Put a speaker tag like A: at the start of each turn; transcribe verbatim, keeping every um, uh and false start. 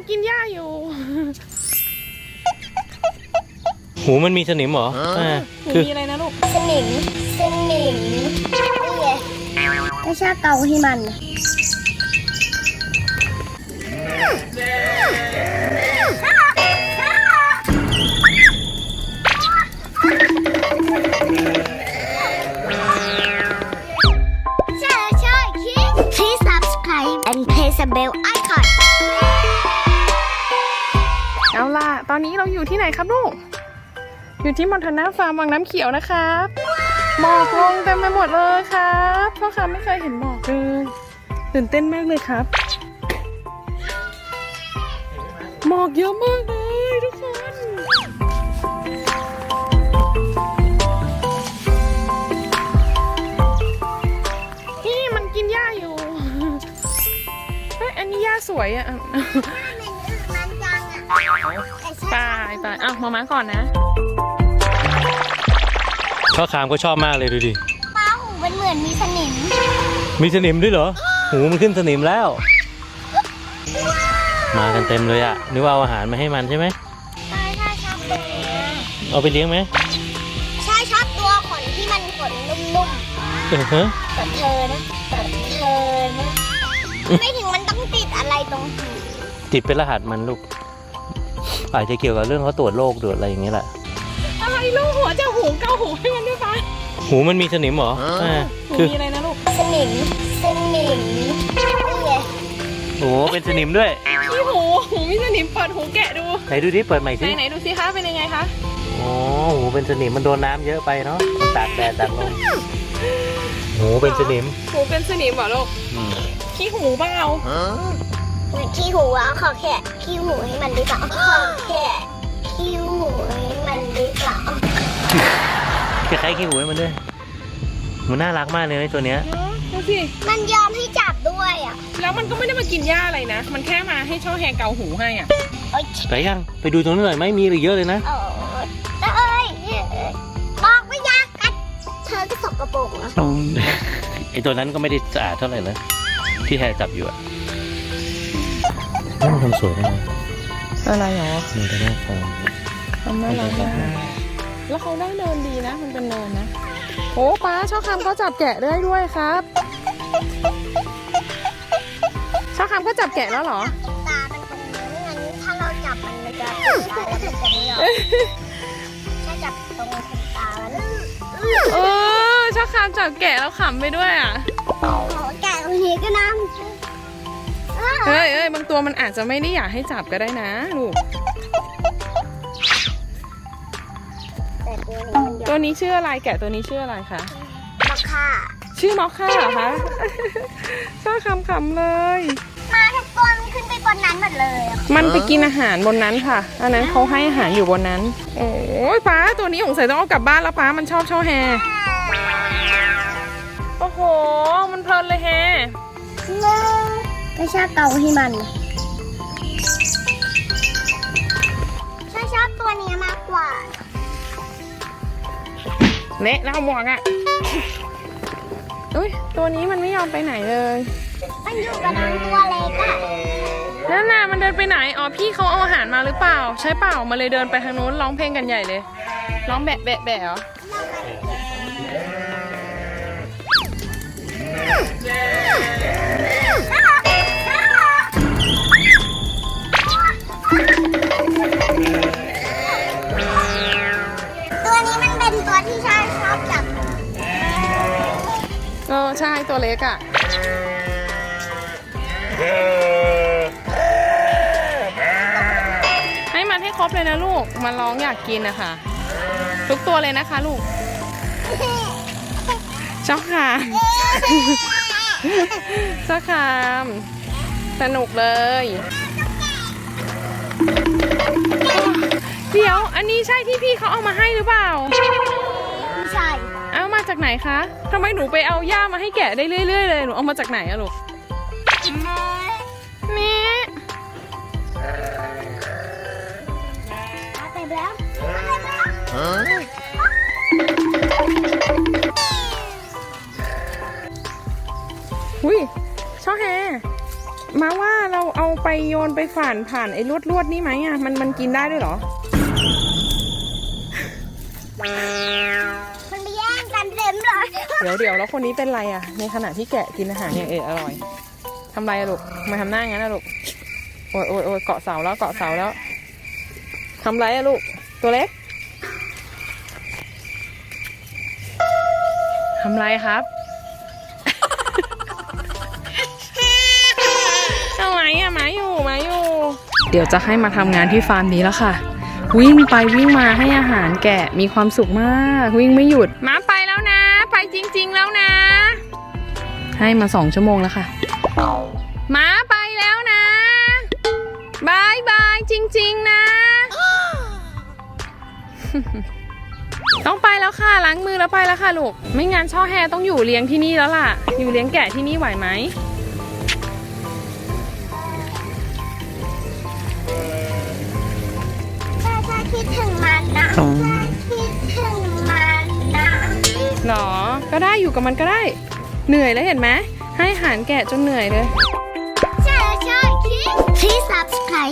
A: กินหญ้าอยู่
B: หูมันมีสนิมเหรออ่า
A: คือมีอะไรนะลูก
C: สนิมสนิมนี่ไงไม่ใช่เกาให้มันPlease subscribe and press the bell icon
A: เอาล่ะตอนนี้เราอยู่ที่ไหนครับลูกอยู่ที่มอนทานาฟาร์มวังน้ำเขียวนะครับหมอกลงเต็มไปหมดเลยครับพ่อค้าไม่เคยเห็นหมอกเลยตื่นเต้นมากเลยครับหมอกเยอะมากเลยทุกคนนี่มันกินหญ้าอยู่เฮ้ยอันนี้หญ้าสวยอ่ะไปไปอ้าวมาม้าก่อนนะ
B: พ่อคามก็ชอบมากเลยดูดิ
C: ป้าหูมันเหมือนมีสนิม
B: มีสนิมด้วยเหรอหูมันขึ้นสนิมแล้วมากันเต็มเลยอ่ะนึกว่าเอาอาหารมาให้มันใช่ไหม
C: ใช่ใช่ชอบตัว
B: เอาไปเลี้ยงไหม
C: ใช่ชอบตัวขนที่มันขนนุ่มๆ
B: เออฮะ
C: แต่เธอนะแต่เธอนะไม่ถึงมันต้องติดอะไรตรงหู
B: ติดเป็นรหัสมันลูกอาจจะเกี่ยวกับเรื่องเขาตรวจโรคตรวจอะไรอย่างเงี้ยแหละ
A: อะไรลูกหัวจะหูเกาหูให้มันด้วยปะ
B: หูมันมีสนิมเหรออ่า
A: คือมีอะไรนะลูก
C: สนิมสนิมนี่ไง
B: โอ้เป็นสนิมด้วย
A: ที่หูหูมีสนิมเปิดหูแกะดู
B: ไหนดูดิเปิดใหม่สิ
A: ไหนไหนดูสิคะเป็นยังไงคะ
B: โอ้หูเป็นสนิมมันโดนน้ำเยอะไปเนาะตากแดดตากลมหูเป็นสนิม
A: หูเป็นสนิมเหรอลูกขี้หูเปล่า
C: ขี้หูอ่ะขอแค่ขี้หูให้มันดีกว่าขอแค่ขี้หูให้มันดีกว่า
B: คล้ายๆขี้หูให้มันด้วยมันน่ารักมากเลยไอ้ตัวเนี้ย
A: ดูสิ
C: มันยอมให้จับด้วยอ่ะ
A: แล้วมันก็ไม่ได้มากินหญ้าอะไรนะมันแค่มาให้ช่อแฮเกาหูให้อ่ะ
B: ไปยังไปดูตรงนั้นหน่อยไหมมีอะไรเยอะเลยนะ
C: เออเอ้ยบอกไม่ยากกันเธอก็สกปรกนะ
B: ไอ้ตัวนั้นก็ไม่ได้สะอาดเท่าไหร่เลยที่แฮจับอยู่อะมันทำสวยนะ
A: อะไรหรอ
B: มันจะน่าฟัง
A: ทำน่ารักมากแล้วเขาได้เนินดีนะมันเป็นเนินนะโอ้ป้าชอบคำก็จับแกะได้ด้วยครับชอบคำก็จับแกะแล้วเหรอ
C: ตาเป็นตรงนี้งั้นถ้าเราจับมันมันจะติดได้แล้วมันจะไม่ยอมถ้าจับตรงขนตามัน
A: เออชอบคำจับแกะแล้วขำไปด้วยอ่ะ
C: แกะตรงนี้ก็นั่ง
A: เฮ้ยเอ้ยบางตัวมันอาจจะไม่ได้อยากให้จับก็ได้นะลูกตัวนี้ชื่ออะไรแกะตัวนี้ชื่ออะไรคะ
C: มอคค่า
A: ชื่อมอคค่าเหรอคะชอบคำๆเลย
C: มาทุกตัวมันขึ้นไปบนนั้นหมดเลย
A: มันไปกินอาหารบนนั้นค่ะอันนั้นเขาให้อาหารอยู่บนนั้นโอ้ยป้าตัวนี้สงสัยต้องเอากลับบ้านแล้วป้ามันชอบช่อแฮโอ้โหมันเพลินเลยแฮ
C: ไม่ชอบเกาให้มันฉันชอบตัวนี้มากกว่า
A: เละแล้วหมวกอ่ะอุ้ยตัวนี้มันไม่ยอมไปไหนเลย
C: มันอยู่กับนางตัวเล็กอ่ะ
A: นั่นน่ะมันเดินไปไหนอ๋อพี่เขาเอาอาหารมาหรือเปล่าใช่เปล่ามาเลยเดินไปทางนู้นร้องเพลงกันใหญ่เลยร้องแบะแบะแบะเหรอ
C: ตัวนี้มันเป็นตัวที่ชายชอบจับ
A: เออใช่ตัวเล็กอ่ะให้มันให้ครบเลยนะลูกมันร้องอยากกินนะคะทุกตัวเลยนะคะลูกชอบค่ะชอบค่ะสนุกเลยเดี๋ยวอันนี้ใช่ที่พี่เขาเอามาให้หรือเปล่า
C: ใช่
A: เอามาจากไหนคะทำไมหนูไปเอาหญ้ามาให้แกะได้เรื่อยๆเลยหนูเอามาจากไหนอะลูกแม่
C: เอาไปแล้ว
A: อุ้ยช่อแฮมาว่าเราเอาไปโยนนไปผ่านผ่านไอ้ลวดลวดนี่ไหมอ่ะมันมันกินได้ด้วยเหรอ
C: มันไปแย่งกันเต็มเลย
A: เดี๋ยวเดี๋ยวแล้วคนนี้เป็นไรอ่ะในขณะที่แกะกินอาหารอย่างเอออร่อยทำไรอะลูกทำไมาทำหน้างั้นอะลูกโอ้ยโอ้ยโอ้ยเกาะเสาแล้วเกาะเสาแล้วทำไรอะลูกตัวเล็กทำไรครับ เอาไหมอะหมาอยู่หมาอยู่ เดี๋ยวจะให้มาทำงานที่ฟาร์มนี้แล้วค่ะ วิ่งไปวิ่งมาให้อาหารแกะมีความสุขมากวิ่งไม่หยุดมาไปแล้วนะ ไปจริงๆแล้วนะ ให้มาสองชั่วโมงแล้วค่ะมาไปแล้วนะบายบายจริงๆนะ ต้องไปแล้วค่ะล้างมือแล้วไปแล้วค่ะลูกไม่งั้นช่อแฮต้องอยู่เลี้ยงที่นี่แล้วล่ะอยู่เลี้ยงแกะที่นี่ไหวไหม
C: ถ้าถ้าคิดถึงมันนะถ้าคิดถึงมันนะ
A: หรอก็ได้อยู่กับมันก็ได้เหนื่อยแล้วเห็นไหมให้อาหารแกะจนเหนื่อยเลย
C: ใช่ใช่คิด Please subscribe